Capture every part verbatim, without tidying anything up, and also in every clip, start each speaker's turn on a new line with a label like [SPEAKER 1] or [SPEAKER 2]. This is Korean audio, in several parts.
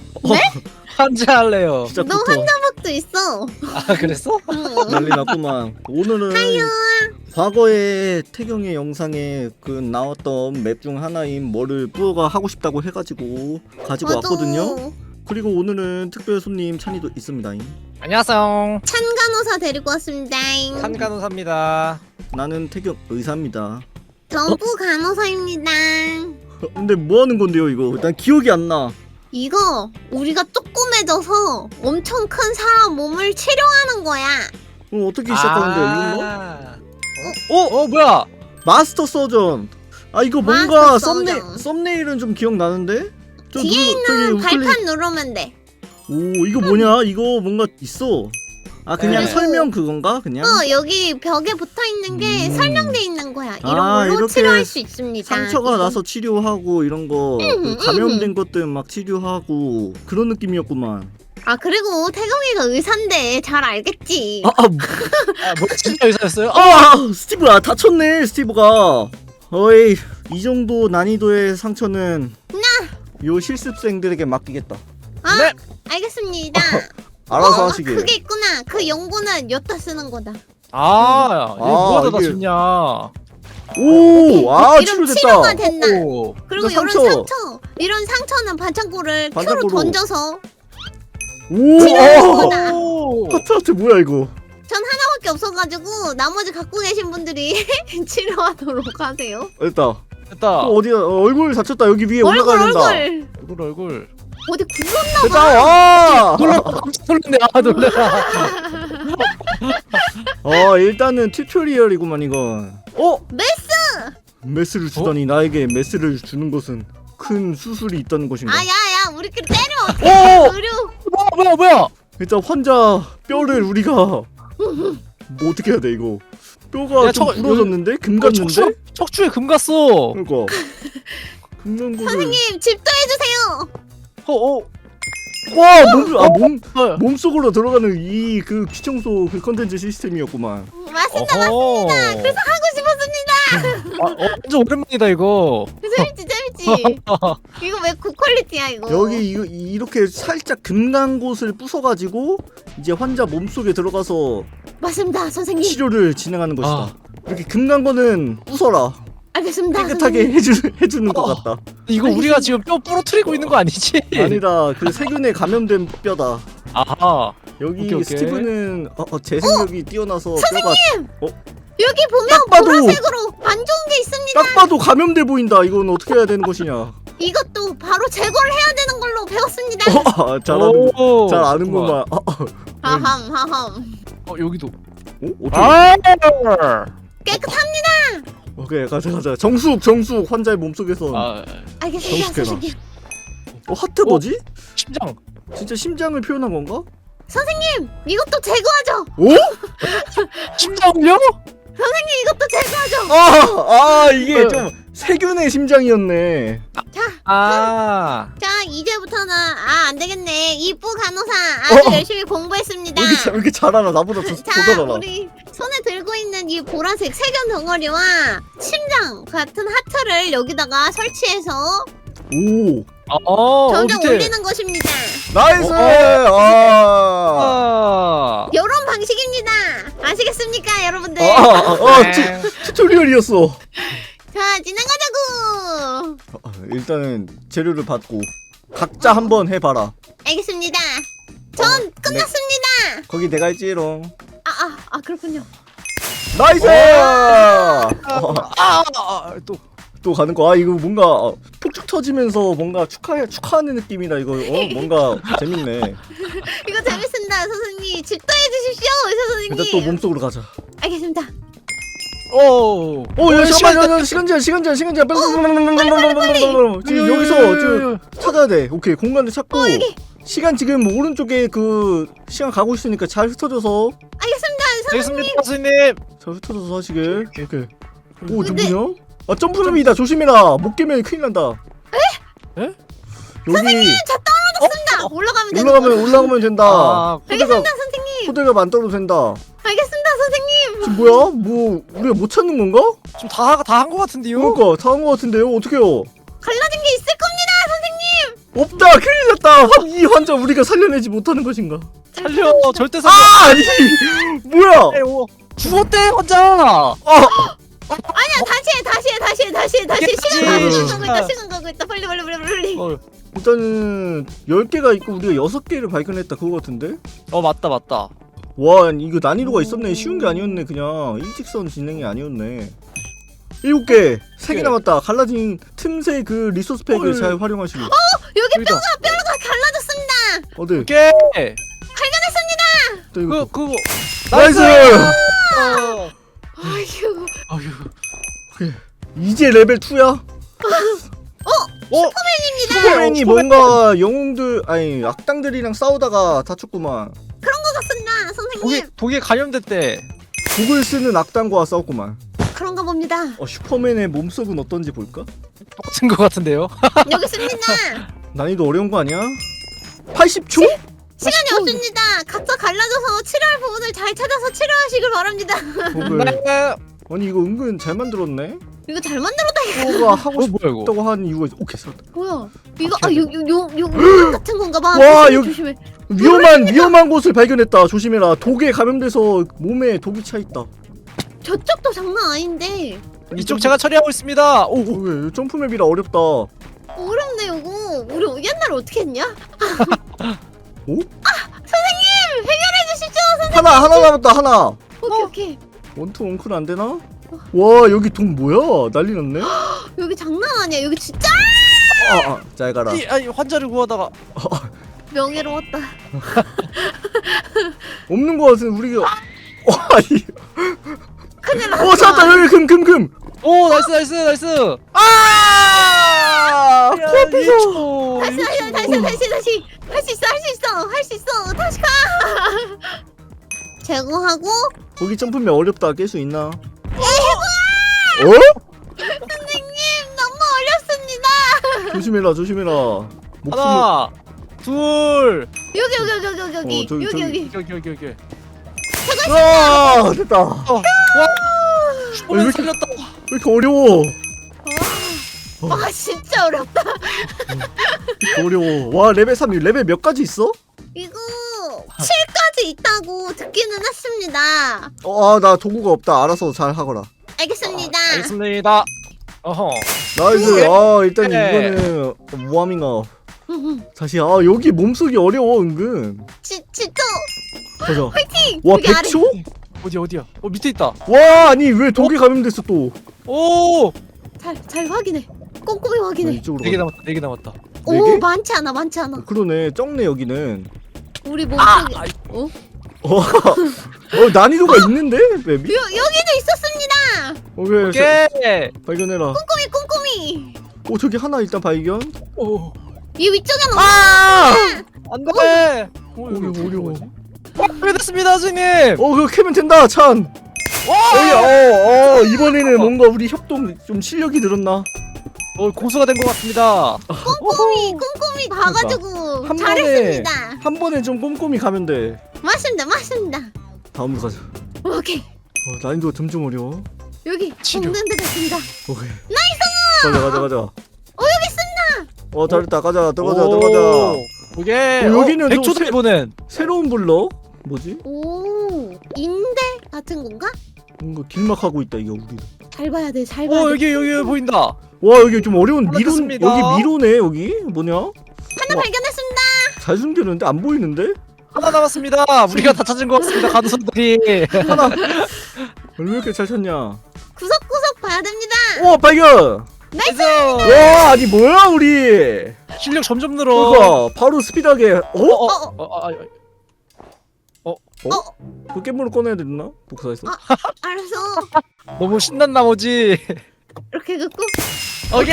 [SPEAKER 1] 네?
[SPEAKER 2] 환자 할래요.
[SPEAKER 3] 너
[SPEAKER 1] 시작부터
[SPEAKER 3] 환자박도 있어.
[SPEAKER 2] 아 그랬어?
[SPEAKER 3] 응.
[SPEAKER 1] 난리 났구만. 오늘은 과거의 태경의 영상에 그 나왔던 맵 중 하나인 뭐를 뿌어가 하고 싶다고 해가지고 가지고
[SPEAKER 3] 맞아.
[SPEAKER 1] 왔거든요. 그리고 오늘은 특별 손님 찬이도 있습니다.
[SPEAKER 2] 안녕하세요.
[SPEAKER 3] 찬간호사 데리고 왔습니다.
[SPEAKER 2] 한간호사입니다.
[SPEAKER 1] 나는 태경 의사입니다.
[SPEAKER 3] 전부 간호사입니다.
[SPEAKER 1] 근데 뭐 하는 건데요 이거? 난 기억이 안 나.
[SPEAKER 3] 이거 우리가 조그매져서 엄청 큰 사람 몸을 치료하는 거야.
[SPEAKER 1] 어, 어떻게 시작하는데요 이건 뭐?
[SPEAKER 2] 어? 어 뭐야?
[SPEAKER 1] 마스터 서전. 아 이거 뭔가
[SPEAKER 3] 마스터
[SPEAKER 1] 썸네
[SPEAKER 3] 서전.
[SPEAKER 1] 썸네일은 좀 기억 나는데? 저
[SPEAKER 3] 뒤에
[SPEAKER 1] 누르- 저기
[SPEAKER 3] 있는
[SPEAKER 1] 우클릭-
[SPEAKER 3] 발판 누르면 돼.
[SPEAKER 1] 오 이거 뭐냐? 이거 뭔가 있어. 아 그냥
[SPEAKER 2] 네.
[SPEAKER 1] 설명 그건가 그냥?
[SPEAKER 3] 어 여기 벽에 붙어 있는 게
[SPEAKER 1] 음.
[SPEAKER 3] 설명돼 있는 거야. 이런
[SPEAKER 1] 아,
[SPEAKER 3] 걸로
[SPEAKER 1] 이렇게
[SPEAKER 3] 치료할 수 있습니다.
[SPEAKER 1] 상처가
[SPEAKER 3] 이거.
[SPEAKER 1] 나서 치료하고 이런 거
[SPEAKER 3] 음,
[SPEAKER 1] 그
[SPEAKER 3] 음,
[SPEAKER 1] 감염된 것들 막 치료하고 그런 느낌이었구만.
[SPEAKER 3] 아 그리고 태경이가 의사인데 잘 알겠지.
[SPEAKER 1] 아, 아, 뭐-
[SPEAKER 2] 아뭐 진짜 의사였어요? 아,
[SPEAKER 1] 아 스티브야 다쳤네 스티브가. 어이 이 정도 난이도의 상처는 요 실습생들에게 맡기겠다.
[SPEAKER 3] 아
[SPEAKER 2] 네.
[SPEAKER 3] 알겠습니다.
[SPEAKER 1] 알아서
[SPEAKER 3] 어,
[SPEAKER 1] 하시길.
[SPEAKER 3] 그게 있구나. 그 연고는 여기다 쓰는 거다.
[SPEAKER 2] 아, 이거
[SPEAKER 1] 아,
[SPEAKER 2] 뭐가 다
[SPEAKER 1] 이게-
[SPEAKER 2] 좋냐?
[SPEAKER 1] 오, 아
[SPEAKER 3] 이런
[SPEAKER 1] 치료됐다.
[SPEAKER 3] 치료가 된다.
[SPEAKER 2] 오.
[SPEAKER 3] 그리고
[SPEAKER 1] 이거
[SPEAKER 3] 이런
[SPEAKER 1] 상처.
[SPEAKER 3] 상처, 이런 상처는 반창고를 큐로
[SPEAKER 1] 반창고로.
[SPEAKER 3] 던져서
[SPEAKER 1] 오,
[SPEAKER 3] 치료하는
[SPEAKER 1] 어.
[SPEAKER 3] 거다.
[SPEAKER 2] 오.
[SPEAKER 1] 하트 하트 뭐야 이거?
[SPEAKER 3] 전 하나밖에 없어가지고 나머지 갖고 계신 분들이 치료하도록 하세요.
[SPEAKER 1] 됐다.
[SPEAKER 2] 됐다.
[SPEAKER 1] 어, 어디야? 어, 얼굴 다쳤다. 여기 위에
[SPEAKER 3] 얼굴
[SPEAKER 1] 올라가야 된다.
[SPEAKER 3] 얼굴
[SPEAKER 2] 얼굴 얼굴.
[SPEAKER 3] 어디 굴렀나
[SPEAKER 1] 됐다.
[SPEAKER 3] 봐.
[SPEAKER 1] 와.
[SPEAKER 2] 놀라 깜짝 놀랐네. 아 놀래라.
[SPEAKER 1] 어 일단은 튜토리얼이구만 이건. 어?
[SPEAKER 3] 메스.
[SPEAKER 1] 메스를 주다니 나에게 메스를 주는 것은 큰 수술이 있다는 것인가?
[SPEAKER 3] 아야야 우리끼리 때려.
[SPEAKER 1] 오!
[SPEAKER 3] 의료.
[SPEAKER 2] 뭐야 뭐야 뭐야?
[SPEAKER 1] 일단 환자 뼈를 우리가 뭐 어떻게 해야 돼 이거? 뼈가
[SPEAKER 2] 야,
[SPEAKER 1] 좀
[SPEAKER 2] 저-
[SPEAKER 1] 부러졌는데 금
[SPEAKER 2] 어,
[SPEAKER 1] 갔는데?
[SPEAKER 2] 척추 척추에 금 갔어.
[SPEAKER 1] 그러니까 금난 거를.
[SPEAKER 3] 선생님 집도해주세요.
[SPEAKER 2] 어 어.
[SPEAKER 1] 와 몸, 아 몸,
[SPEAKER 2] 어.
[SPEAKER 1] 몸속으로 들어가는 이 그 귀청소 그 컨텐츠 시스템이었구만.
[SPEAKER 3] 맞습니다.
[SPEAKER 2] 어허.
[SPEAKER 3] 그래서 하고 싶었습니다.
[SPEAKER 2] 아, 어, 완전 오랜만이다 이거.
[SPEAKER 3] 재밌지 재밌지. 이거 왜 고퀄리티야 이거.
[SPEAKER 1] 여기 이거 이- 이렇게 살짝 금간 곳을 부숴가지고 이제 환자 몸속에 들어가서
[SPEAKER 3] 맞습니다 선생님.
[SPEAKER 1] 치료를 진행하는 것이다.
[SPEAKER 2] 아.
[SPEAKER 1] 이렇게 금간 거는 부숴라.
[SPEAKER 3] 알겠습니다.
[SPEAKER 1] 깨끗하게
[SPEAKER 3] 선생님.
[SPEAKER 1] 해주, 해주는 것
[SPEAKER 2] 어.
[SPEAKER 1] 같다.
[SPEAKER 2] 이거 우리가 지금 뼈 부러뜨리고 있는 거 아니지?
[SPEAKER 1] 아니다. 그 세균에 감염된 뼈다.
[SPEAKER 2] 아하.
[SPEAKER 1] 여기
[SPEAKER 2] 오케이, 오케이.
[SPEAKER 1] 스티브는 어, 어, 재생력이 뛰어나서 뼈가
[SPEAKER 3] 여기 보면
[SPEAKER 1] 딱 봐도-
[SPEAKER 3] 보라색으로 안 좋은 게 있습니다.
[SPEAKER 1] 딱 봐도 감염돼 보인다. 이건 어떻게 해야 되는 것이냐?
[SPEAKER 3] 이것도 바로 제거를 해야 되는 걸로 배웠습니다.
[SPEAKER 1] 어, 아, 잘 아는
[SPEAKER 2] 오,
[SPEAKER 1] 잘 아는구만. 어, 어,
[SPEAKER 3] 하함 하함.
[SPEAKER 2] 어 여기도.
[SPEAKER 1] 어? 어떻게?
[SPEAKER 2] 아.
[SPEAKER 3] 깨끗합니다.
[SPEAKER 1] 오케이 가자 가자. 정숙 정숙 환자의 몸속에서.
[SPEAKER 2] 아
[SPEAKER 3] 알겠습니다
[SPEAKER 1] 정숙해라.
[SPEAKER 3] 선생님.
[SPEAKER 1] 어 하트 뭐지?
[SPEAKER 2] 심장.
[SPEAKER 1] 진짜 심장을 표현한 건가?
[SPEAKER 3] 선생님 이것도 제거하죠.
[SPEAKER 1] 오?
[SPEAKER 2] 심장요?
[SPEAKER 3] 선생님 이것도 제거하죠.
[SPEAKER 1] 아, 아 이게
[SPEAKER 2] 어.
[SPEAKER 1] 좀 세균의 심장이었네.
[SPEAKER 3] 자,
[SPEAKER 2] 아.
[SPEAKER 3] 자 이제부터는 아 안되겠네. 이쁘 간호사 아주
[SPEAKER 1] 어.
[SPEAKER 3] 열심히 공부했습니다.
[SPEAKER 1] 왜 이렇게, 잘- 왜 이렇게 잘 알아? 나보다 더, 더
[SPEAKER 3] 자
[SPEAKER 1] 잘 알아.
[SPEAKER 3] 우리 손에 들고 있는 이 보라색 세균 덩어리와 심장 같은 하트를 여기다가 설치해서
[SPEAKER 1] 오,
[SPEAKER 2] 어.
[SPEAKER 3] 점점
[SPEAKER 2] 밑에.
[SPEAKER 3] 올리는 것입니다.
[SPEAKER 1] 나이스.
[SPEAKER 2] 어,
[SPEAKER 1] 아,
[SPEAKER 2] 아.
[SPEAKER 3] 이런 방식입니다. 아시겠습니까 여러분들?
[SPEAKER 1] 아, 아, 아,
[SPEAKER 2] 네.
[SPEAKER 1] 튜, 튜토리얼이었어.
[SPEAKER 3] 자 진행하자고.
[SPEAKER 1] 아, 일단은 재료를 받고 각자 한번 해봐라.
[SPEAKER 3] 알겠습니다. 전
[SPEAKER 1] 어, 네.
[SPEAKER 3] 끝났습니다.
[SPEAKER 1] 거기 내가 했지롱.
[SPEAKER 3] 아 아 아 그렇군요.
[SPEAKER 1] 나이스. 어,
[SPEAKER 2] 아. 아. 또.
[SPEAKER 1] 또 가는 거. 아 이거 뭔가 어, 폭죽 터지면서 뭔가 축하 축하하는 느낌이다. 이거 어, 뭔가 재밌네.
[SPEAKER 3] 이거 재밌습니다 선생님. 집도해 주십시오 의사 선생님.
[SPEAKER 1] 일단 또 몸속으로 가자.
[SPEAKER 3] 알겠습니다.
[SPEAKER 2] 오.
[SPEAKER 1] 어, 야, 잠깐만, 시간 제한, 시간 제한, 시간 제한. 빨리, 빨리, 빨리, 빨리, 지금 여기서 저 찾아야 돼. 오케이, 공간을 찾고.
[SPEAKER 3] 여기.
[SPEAKER 1] 시간 지금 오른쪽에 그 시간 가고 있으니까 잘 흩어져서,
[SPEAKER 3] 알겠습니다 선생님.
[SPEAKER 2] 알겠습니다 선생님.
[SPEAKER 1] 잘 흩어져서 하시길. 오케이. 오,
[SPEAKER 3] 근데-
[SPEAKER 1] 누구냐? 아, 점프룸이다. 조심해라. 못 깨면 큰일 난다.
[SPEAKER 2] 에? 에?
[SPEAKER 1] 여기
[SPEAKER 3] 저 떨어졌습니다. 올라가면 되는
[SPEAKER 1] 올라가면
[SPEAKER 3] 거.
[SPEAKER 1] 올라가면 된다.
[SPEAKER 2] 아.
[SPEAKER 1] 호대가
[SPEAKER 3] 알겠습니다 선생님.
[SPEAKER 1] 호대가 안 떨어도 된다.
[SPEAKER 3] 알겠습니다 선생님.
[SPEAKER 1] 지금 뭐야? 뭐 우리가 못 찾는 건가?
[SPEAKER 2] 좀다다 한 거 같은데요?
[SPEAKER 1] 그러니까 다 한 거 같은데요. 어떻게요?
[SPEAKER 3] 갈라진 게 있을 겁니다 선생님.
[SPEAKER 1] 없다. 큰일 났다. 환- 이 환자 우리가 살려내지 못하는 것인가?
[SPEAKER 2] 살려. 절대 살려.
[SPEAKER 1] 아 아니 뭐야?
[SPEAKER 2] 에, 오, 죽었대 혼자.
[SPEAKER 1] 아
[SPEAKER 3] 아니야 다시 해 다시 해 다시 해 다시 해 다시 해.
[SPEAKER 2] 깨끗이.
[SPEAKER 3] 시간 가고 있다 가고 있다
[SPEAKER 2] 아.
[SPEAKER 3] 시간 가고 있다 빨리 빨리 빨리 빨리.
[SPEAKER 2] 어,
[SPEAKER 1] 일단은 열 개가 있고 우리가 여섯 개를 발견했다 그거 같은데?
[SPEAKER 2] 어 맞다 맞다.
[SPEAKER 1] 와 이거 난이도가 있었네. 쉬운 게 아니었네. 그냥 일직선 진행이 아니었네. 일곱 개, 세 개
[SPEAKER 2] 네.
[SPEAKER 1] 남았다. 갈라진 틈새 그 리소스 팩을
[SPEAKER 2] 어이.
[SPEAKER 1] 잘 활용하시고.
[SPEAKER 3] 여기
[SPEAKER 2] 여기다.
[SPEAKER 3] 뼈가 뼈가 갈라졌습니다.
[SPEAKER 1] 어디?
[SPEAKER 2] 오케이.
[SPEAKER 3] 발견했습니다.
[SPEAKER 1] 또 이거.
[SPEAKER 2] 그 그거.
[SPEAKER 1] 나이스!
[SPEAKER 2] 어.
[SPEAKER 3] 아휴.
[SPEAKER 2] 아유.
[SPEAKER 1] 이제 레벨 이야?
[SPEAKER 2] 어?
[SPEAKER 1] 슈퍼맨이 뭔가 영웅들 아니 악당들이랑 싸우다가 다쳤구만.
[SPEAKER 3] 그런 것 같습니다
[SPEAKER 2] 독에
[SPEAKER 3] 선생님.
[SPEAKER 2] 독에 감염됐대.
[SPEAKER 1] 독을 쓰는 악당과 싸웠구만.
[SPEAKER 3] 그런가 봅니다.
[SPEAKER 1] 어, 슈퍼맨의 몸속은 어떤지 볼까?
[SPEAKER 2] 똑같은 것 같은데요?
[SPEAKER 3] 여기 있습니다.
[SPEAKER 1] 난이도 어려운 거 아니야? 팔십 초?
[SPEAKER 3] 시간이 없습니다. 각자 갈라져서 치료할 부분을 잘 찾아서 치료하시길 바랍니다.
[SPEAKER 1] 독을.
[SPEAKER 2] 네.
[SPEAKER 1] 아니 이거 은근 잘 만들었네.
[SPEAKER 3] 이거 잘 만들었다 이거.
[SPEAKER 1] 뭐가 하고
[SPEAKER 2] 어 뭐야 이거?
[SPEAKER 1] 싶다고 하는 이유가 있어. 오케이 살았다.
[SPEAKER 3] 뭐야? 이거 아요요요요 같은 건가 봐.
[SPEAKER 1] 와,
[SPEAKER 3] 조심해,
[SPEAKER 1] 여기-
[SPEAKER 3] 조심해.
[SPEAKER 1] 위험한 위험한 곳을 발견했다. 조심해라. 독에 감염돼서 몸에 독이 차 있다.
[SPEAKER 3] 저쪽도 장난 아닌데.
[SPEAKER 2] 이쪽 제가 처리하고 있습니다. 오, 오.
[SPEAKER 1] 어, 왜 점프맵이라 어렵다.
[SPEAKER 3] 어렵네 이거. 우리 옛날에 어떻게 했냐?
[SPEAKER 1] 오?
[SPEAKER 3] 아 선생님 해결해 주시죠. 선생님.
[SPEAKER 1] 하나 하나 남았다. 하나.
[SPEAKER 3] 오케이 오케이.
[SPEAKER 1] 원투 원클 안 되나? 와 여기 독 뭐야? 난리 났네.
[SPEAKER 3] 여기 장난 아니야. 여기 진짜
[SPEAKER 1] 아, 아, 잘 가라.
[SPEAKER 2] 이 아니 환자를 구하다가
[SPEAKER 3] 명예로웠다.
[SPEAKER 1] 없는 거 같은 우리가. 어, 아니.
[SPEAKER 3] 큰일 났다.
[SPEAKER 1] 어 찾았다. 여기 금 금 금.
[SPEAKER 2] 오 나이스 나이스 나이스.
[SPEAKER 1] 아!
[SPEAKER 2] 코앞에서.
[SPEAKER 3] 다시 다시 다시 다시 다시 할 수 있어 할 수 있어 할 수 있어 다시 가. 제거하고
[SPEAKER 1] 거기 점프맵 어렵다. 깰 수 있나? 어?
[SPEAKER 3] 선생님 너무 어렵습니다.
[SPEAKER 1] 조심해라. 조심해라. 목숨을.
[SPEAKER 2] 하나, 둘.
[SPEAKER 3] 여기 여기 여기 여기 여기
[SPEAKER 1] 어, 저기,
[SPEAKER 3] 여기
[SPEAKER 1] 저기.
[SPEAKER 3] 여기.
[SPEAKER 2] 여기 여기 여기.
[SPEAKER 1] 아 됐다.
[SPEAKER 2] 어, 와. 슈퍼맨
[SPEAKER 1] 이렇게-
[SPEAKER 2] 살렸다.
[SPEAKER 1] 왜 이렇게 어려워?
[SPEAKER 3] 와, 와 진짜 어렵다.
[SPEAKER 1] 왜 이렇게 어려워. 와 레벨 삼 레벨 몇 가지 있어?
[SPEAKER 3] 이거 칠까지 있다고 듣기는 했습니다.
[SPEAKER 1] 어, 나 도구가 없다. 알아서 잘 하거라.
[SPEAKER 3] 알겠습니다.
[SPEAKER 2] 알겠습니다. 어허.
[SPEAKER 1] 나이스. 아, 일단
[SPEAKER 2] 네.
[SPEAKER 1] 이거는 모함인가. 다시 아, 여기 몸속이 어려워 은근.
[SPEAKER 3] 지, 진짜
[SPEAKER 1] 가자.
[SPEAKER 3] 화이팅!
[SPEAKER 1] 와,
[SPEAKER 3] 여기 아래.
[SPEAKER 1] 백 초?
[SPEAKER 2] 어디 어디야? 어 밑에 있다.
[SPEAKER 1] 와, 아니 왜 독에 감염됐어 또?
[SPEAKER 2] 오.
[SPEAKER 3] 잘, 잘 확인해. 꼼꼼히
[SPEAKER 1] 아,
[SPEAKER 3] 확인해.
[SPEAKER 1] 이쪽으로.
[SPEAKER 2] 네 개
[SPEAKER 1] 가자.
[SPEAKER 2] 남았다. 네 개 남았다.
[SPEAKER 3] 오
[SPEAKER 1] 네 개?
[SPEAKER 3] 많지 않아 많지 않아.
[SPEAKER 1] 어, 그러네. 적네 여기는.
[SPEAKER 3] 우리
[SPEAKER 2] 아,
[SPEAKER 3] 몸속에 어?
[SPEAKER 1] 어, 어 난이도가 있는데 맵이?
[SPEAKER 3] 여, 여기도 있었습니다.
[SPEAKER 1] 오케이.
[SPEAKER 2] 오케이.
[SPEAKER 1] 발견해라.
[SPEAKER 3] 꼼꼼히 꼼꼼히.
[SPEAKER 1] 오, 저기 하나 일단 발견.
[SPEAKER 2] 오.
[SPEAKER 3] 이 위쪽에는
[SPEAKER 1] 아!
[SPEAKER 2] 안돼.
[SPEAKER 1] 어려워, 어려워.
[SPEAKER 2] 어, 됐습니다, 선생님.
[SPEAKER 1] 어, 그거 캐면 된다, 찬. 어이, 어, 어, 이번에는 뭔가 우리 협동 좀 실력이 늘었나?
[SPEAKER 2] 어, 고수가 된 것 같습니다.
[SPEAKER 3] 꼼꼼히 꼼꼼히 봐가지고
[SPEAKER 1] 한
[SPEAKER 3] 잘했습니다.
[SPEAKER 1] 한 번에 좀 꼼꼼히 가면 돼.
[SPEAKER 3] 맞습니다 맞습니다.
[SPEAKER 1] 다음으로 가자.
[SPEAKER 3] 오케이
[SPEAKER 1] 어, 난이도가 점점 어려워.
[SPEAKER 3] 여기
[SPEAKER 2] 치료.
[SPEAKER 3] 먹는 데 됐습니다.
[SPEAKER 1] 오케이. 나이스! 가자, 가자, 가자.
[SPEAKER 3] 어 여기 있습니다.
[SPEAKER 1] 어, 잘했다. 가자, 들어가자,
[SPEAKER 2] 오.
[SPEAKER 1] 들어가자.
[SPEAKER 2] 오케이.
[SPEAKER 1] 어, 여기는 좀
[SPEAKER 2] 백 초다
[SPEAKER 1] 세-
[SPEAKER 2] 이번엔.
[SPEAKER 1] 새로운 블럭? 뭐지?
[SPEAKER 3] 오 인대 같은 건가?
[SPEAKER 1] 뭔가 길막하고 있다, 이거 우리.
[SPEAKER 3] 잘 봐야 돼 잘 봐야
[SPEAKER 2] 오
[SPEAKER 3] 돼.
[SPEAKER 2] 여기 여기 보인다.
[SPEAKER 1] 와, 여기 좀 어려운 미로,
[SPEAKER 2] 알았습니다.
[SPEAKER 1] 여기 미로네, 여기? 뭐냐?
[SPEAKER 3] 하나
[SPEAKER 1] 와.
[SPEAKER 3] 발견했습니다.
[SPEAKER 1] 잘 숨겼는데 안 보이는데?
[SPEAKER 2] 하나 남았습니다. 우리가 다 찾은 것 같습니다. 간호사들이.
[SPEAKER 1] 하나. 왜 이렇게 잘 찾냐?
[SPEAKER 3] 구석구석 봐야 됩니다.
[SPEAKER 1] 오, 발견!
[SPEAKER 2] 나이스.
[SPEAKER 1] 와, 아니 뭐야, 우리?
[SPEAKER 2] 실력 점점 늘어.
[SPEAKER 1] 그거 바로 스피드하게. 어?
[SPEAKER 2] 어, 어,
[SPEAKER 3] 어,
[SPEAKER 2] 어, 아, 아,
[SPEAKER 1] 그 깻물을 꺼내야 되나? 복사했어?
[SPEAKER 3] 아. 알았어.
[SPEAKER 2] 너무 신난 나머지.
[SPEAKER 3] 이렇게 긋고
[SPEAKER 2] 오케이.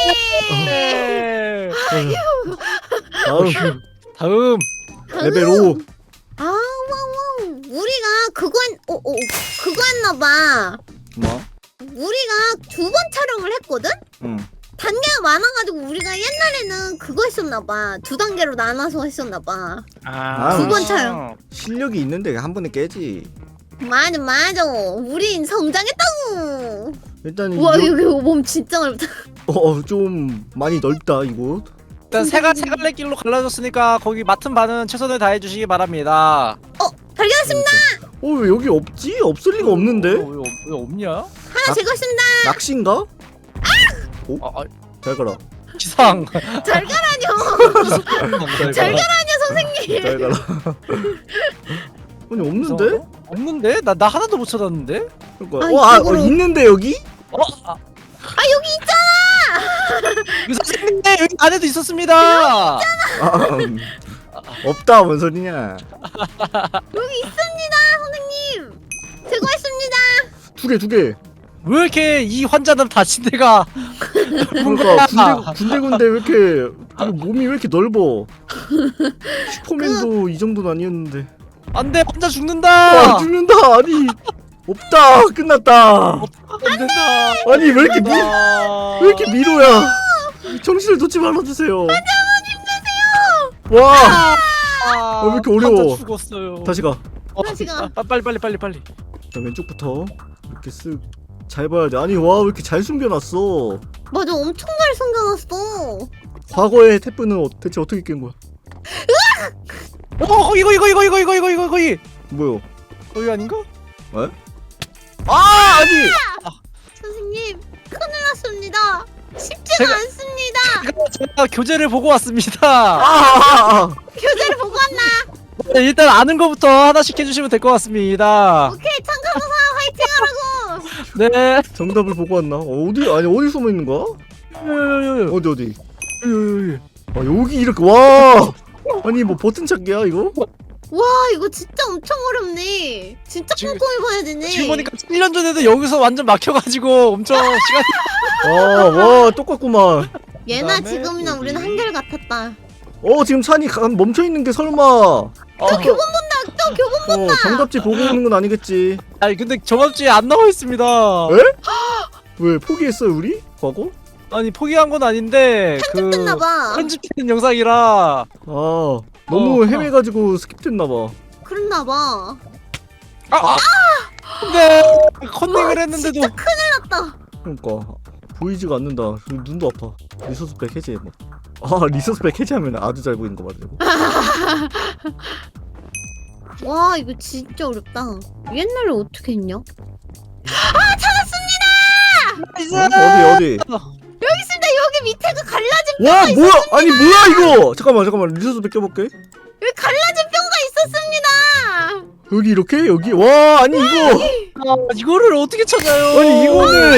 [SPEAKER 1] 다음
[SPEAKER 2] 다음.
[SPEAKER 1] 레벨 오.
[SPEAKER 3] 아, 와우. 우리가 그거 했, 어, 어, 그거 했나봐.
[SPEAKER 1] 뭐?
[SPEAKER 3] 우리가 두 번 촬영을 했거든?
[SPEAKER 1] 응.
[SPEAKER 3] 단계가 많아가지고 우리가 옛날에는 그거 했었나봐. 두 단계로 나눠서 했었나봐.
[SPEAKER 2] 아.
[SPEAKER 3] 두 번 차요.
[SPEAKER 1] 실력이 있는데 한 번에 깨지.
[SPEAKER 3] 맞아, 맞아. 우린 성장했다고.
[SPEAKER 1] 일단
[SPEAKER 3] 우와,
[SPEAKER 1] 요-
[SPEAKER 3] 여기 몸 진짜 넓다.
[SPEAKER 1] 어, 좀 많이 넓다 이곳.
[SPEAKER 2] 일단 세갈 세갈래길로 갈라졌으니까 거기 맡은 바는 최선을 다해 주시기 바랍니다.
[SPEAKER 3] 발견했습니다.
[SPEAKER 1] 어 왜 여기 없지? 없을 리가 없는데?
[SPEAKER 2] 어, 왜, 없- 왜 없냐?
[SPEAKER 3] 하나 제거했습니다.
[SPEAKER 1] 낚시인가?
[SPEAKER 2] 아, 아
[SPEAKER 1] 잘 가라.
[SPEAKER 2] 기상.
[SPEAKER 3] 잘 가라뇨. 잘
[SPEAKER 2] 잘
[SPEAKER 3] 가라뇨 선생님.
[SPEAKER 1] 잘 가라. 아니 없는데?
[SPEAKER 2] 없는데? 나 나 하나도 못 찾았는데?
[SPEAKER 1] 그러니까.
[SPEAKER 3] 아,
[SPEAKER 1] 어, 아, 어,
[SPEAKER 3] 이쪽으로.
[SPEAKER 1] 있는데 여기?
[SPEAKER 2] 어? 아,
[SPEAKER 3] 아 여기 있잖아.
[SPEAKER 2] 그 선생님 여기 안에도 있었습니다.
[SPEAKER 1] 아, 음. 없다 뭔 소리냐?
[SPEAKER 3] 여기 있습니다 선생님. 제거했습니다.
[SPEAKER 1] 두 개, 두 개.
[SPEAKER 2] 왜 이렇게 이 환자는 다친 데가
[SPEAKER 1] 그러니까 군대 군데군데 왜 이렇게 이거 몸이 왜 이렇게 넓어? 슈퍼맨도 이 정도는 아니었는데.
[SPEAKER 2] 안돼 환자
[SPEAKER 1] 아
[SPEAKER 2] 죽는다.
[SPEAKER 1] 죽는다. 아니 없다. 끝났다.
[SPEAKER 2] 안 된다.
[SPEAKER 1] 아니 왜 이렇게 미, 왜 이렇게 미로야? 정신을 놓지 말아주세요. 와.
[SPEAKER 2] 아,
[SPEAKER 1] 어, 왜 이렇게 어려워?
[SPEAKER 2] 환자 죽었어요.
[SPEAKER 1] 다시 가.
[SPEAKER 2] 어,
[SPEAKER 3] 다시 가.
[SPEAKER 2] 아, 빨리 빨리 빨리 빨리.
[SPEAKER 1] 자 왼쪽부터 이렇게 쓱 잘 봐야 돼. 아니 와 왜 이렇게 잘 숨겨놨어?
[SPEAKER 3] 맞아 엄청 잘 숨겨놨어.
[SPEAKER 1] 과거의 태프는 어, 대체 어떻게 깬 거야?
[SPEAKER 2] 어 거기 거기 거기 거기 거기 거기 거기 거기
[SPEAKER 1] 뭐요?
[SPEAKER 2] 거기 아닌가?
[SPEAKER 1] 아 아니.
[SPEAKER 3] 선생님 큰일 났습니다. 쉽지가
[SPEAKER 2] 제가-
[SPEAKER 3] 않습니다.
[SPEAKER 2] 제가, 제가 교재를 보고 왔습니다.
[SPEAKER 1] 아, 아, 아.
[SPEAKER 3] 교재를 보고 왔나?
[SPEAKER 2] 네, 일단 아는 것부터 하나씩 해주시면 될 것 같습니다.
[SPEAKER 3] 오케이 참가노사 화이팅하라고.
[SPEAKER 2] 네.
[SPEAKER 1] 정답을 보고 왔나? 어디 아니 어디 숨어 있는 거야?
[SPEAKER 2] 요요요요.
[SPEAKER 1] 어디 어디? 아 여기 이렇게 와. 아니 뭐 버튼 찾기야 이거?
[SPEAKER 3] 와 이거 진짜 엄청 어렵네. 진짜
[SPEAKER 2] 지금-
[SPEAKER 3] 꼼꼼히 봐야 되네.
[SPEAKER 2] 지금 보니까 일 년 전에도 여기서 완전 막혀가지고 엄청 시간이.
[SPEAKER 1] 아와 똑같구만.
[SPEAKER 3] 얘나
[SPEAKER 2] 그다음에
[SPEAKER 3] 지금이나
[SPEAKER 2] 여기.
[SPEAKER 3] 우리는 한결 같았다.
[SPEAKER 1] 어 지금 찬이 가- 멈춰 있는 게 설마?
[SPEAKER 2] 어.
[SPEAKER 3] 교본 본다. 또 교본.
[SPEAKER 1] 어 정답지 보고 오는 건 아니겠지?
[SPEAKER 2] 아니 근데 정합지에 안 나와 있습니다.
[SPEAKER 1] 에? 왜 포기했어요 우리? 과거?
[SPEAKER 2] 아니 포기한 건 아닌데 그
[SPEAKER 3] 됐나봐.
[SPEAKER 2] 편집된 영상이라.
[SPEAKER 1] 아 너무
[SPEAKER 2] 어.
[SPEAKER 1] 헤매가지고 스킵됐나봐.
[SPEAKER 3] 그랬나봐.
[SPEAKER 2] 아, 아. 근데 컨닝을 했는데도
[SPEAKER 3] 진짜 큰일 났다.
[SPEAKER 1] 그러니까 보이지가 않는다. 눈도 아파. 리소스백 해제 뭐. 아 리소스백 해제하면 아주 잘 보이는 거 맞아요.
[SPEAKER 3] 와 이거 진짜 어렵다. 옛날에 어떻게 했냐?
[SPEAKER 2] 나이스!
[SPEAKER 1] 어? 어디 어디?
[SPEAKER 3] 여기 있습니다. 여기 밑에가 갈라진
[SPEAKER 1] 와 뭐야? 아니 뭐야 이거? 잠깐만 잠깐만 리소스백 껴볼게.
[SPEAKER 3] 여기 갈라진 뼈가 있었습니다.
[SPEAKER 1] 여기 이렇게 여기 와 아니 이거
[SPEAKER 2] 아, 이거를 어떻게 찾아요?
[SPEAKER 1] 아니 이거는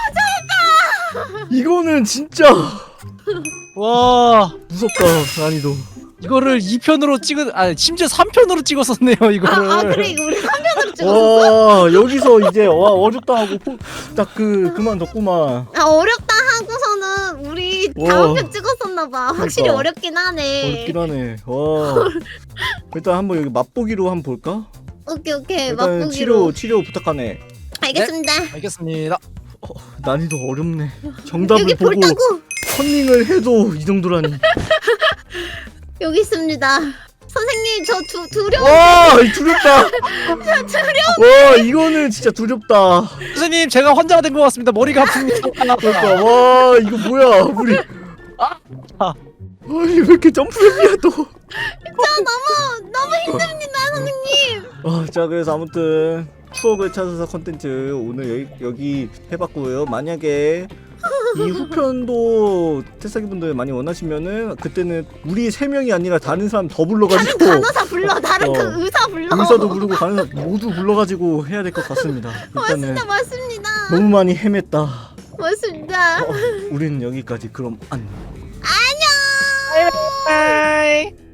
[SPEAKER 1] 이거는 진짜
[SPEAKER 2] 와
[SPEAKER 1] 무섭다 난이도.
[SPEAKER 2] 이거를 이 편으로 찍은 아 심지어 삼 편으로 찍었었네요 이거를.
[SPEAKER 3] 아, 아 그래 이거 우리 화면으로 찍었어.
[SPEAKER 1] 와 여기서 이제 와 어렵다 하고 딱 그 그만뒀구만.
[SPEAKER 3] 아 어렵다 하고서는 우리
[SPEAKER 1] 와.
[SPEAKER 3] 다음 편 찍었었나봐. 확실히
[SPEAKER 1] 그러니까.
[SPEAKER 3] 어렵긴 하네.
[SPEAKER 1] 어렵긴 하네. 와 일단 한번 여기 맛보기로 한번 볼까?
[SPEAKER 3] 오케이 오케이
[SPEAKER 1] 일단
[SPEAKER 3] 맛보기로.
[SPEAKER 1] 치료 치료 부탁하네.
[SPEAKER 3] 알겠습니다.
[SPEAKER 2] 알겠습니다.
[SPEAKER 1] 난이도 어렵네. 정답을
[SPEAKER 3] 여기
[SPEAKER 1] 보고
[SPEAKER 3] 볼따고
[SPEAKER 1] 컨닝을 해도 이 정도라니.
[SPEAKER 3] 여기 있습니다. 선생님 저 두 두려워.
[SPEAKER 1] 와 이 두렵다. 와 이거는 진짜 두렵다.
[SPEAKER 2] 선생님 제가 환자가 된 것 같습니다. 머리가 아픕니다.
[SPEAKER 1] 그러니까 와 이거 뭐야 우리.
[SPEAKER 2] 아.
[SPEAKER 1] 아니 왜 이렇게 점프맵이야 또.
[SPEAKER 3] 저 너무 너무 힘듭니다 선생님.
[SPEAKER 1] 아, 자 그래서 아무튼 추억을 찾아서 컨텐츠 오늘 여기, 여기 해봤고요. 만약에 이 후편도 태사기 분들 많이 원하시면은 그때는 우리 세 명이 아니라 다른 사람 더
[SPEAKER 3] 다른
[SPEAKER 1] 불러가지고
[SPEAKER 3] 간호사 불러. 다른
[SPEAKER 1] 어.
[SPEAKER 3] 그 의사 불러.
[SPEAKER 1] 의사도 부르고 간호사 모두 불러가지고 해야 될 것 같습니다. 일단은
[SPEAKER 3] 맞습니다 맞습니다.
[SPEAKER 1] 너무 많이 헤맸다.
[SPEAKER 3] 맞습니다.
[SPEAKER 1] 어, 우리는 여기까지 그럼 안.
[SPEAKER 3] 안녕.
[SPEAKER 2] 바이.